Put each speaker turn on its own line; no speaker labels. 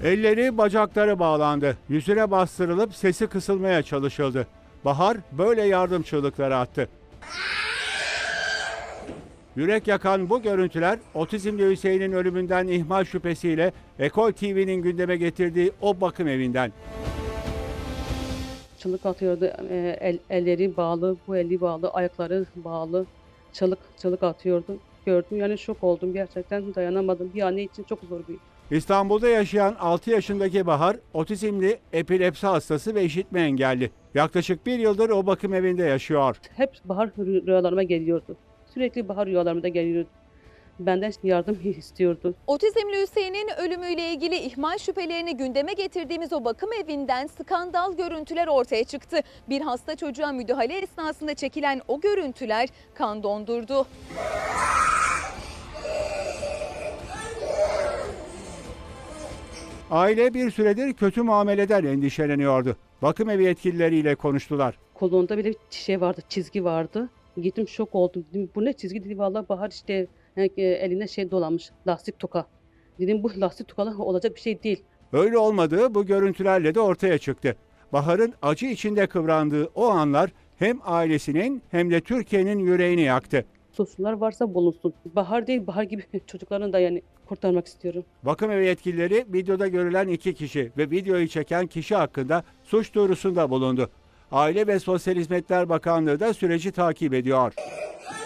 Elleri, bacakları bağlandı. Yüzüne bastırılıp sesi kısılmaya çalışıldı. Bahar böyle yardım çığlıkları attı. Yürek yakan bu görüntüler otizmli Hüseyin'in ölümünden ihmal şüphesiyle Ekol TV'nin gündeme getirdiği o bakım evinden.
Çığlık atıyordu. Elleri bağlı, bu eli bağlı, ayakları bağlı. Çığlık atıyordu. Gördüm, yani şok oldum, gerçekten dayanamadım. Bir anne için çok zor bir.
İstanbul'da yaşayan 6 yaşındaki Bahar, otizmli, epilepsi hastası ve işitme engelli. Yaklaşık bir yıldır o bakım evinde yaşıyor.
Hep bahar rüyalarıma geliyordu. Sürekli bahar rüyalarıma da geliyordu. Benden yardım istiyordu.
Otizmli Hüseyin'in ölümüyle ilgili ihmal şüphelerini gündeme getirdiğimiz o bakım evinden skandal görüntüler ortaya çıktı. Bir hasta çocuğa müdahale esnasında çekilen o görüntüler kan dondurdu.
Aile bir kötü muameleden endişeleniyordu. Bakım evi yetkilileriyle konuştular.
Kolunda bile şey vardı, çizgi vardı. Gittim, şok oldum. Dedim, bu ne çizgi, dedi. Vallahi Bahar işte eline şey dolanmış, lastik toka. Dedim, bu lastik tokalı olacak bir şey değil.
Öyle olmadığı bu görüntülerle de ortaya çıktı. Bahar'ın acı içinde kıvrandığı o anlar hem ailesinin hem de Türkiye'nin yüreğini yaktı.
Suçlular varsa bulunsun. Bahar değil, Bahar gibi çocuklarını da yani kurtarmak istiyorum.
Bakım evi yetkilileri videoda görülen 2 kişi ve videoyu çeken kişi hakkında suç duyurusunda bulundu. Aile ve Sosyal Hizmetler Bakanlığı da süreci takip ediyor.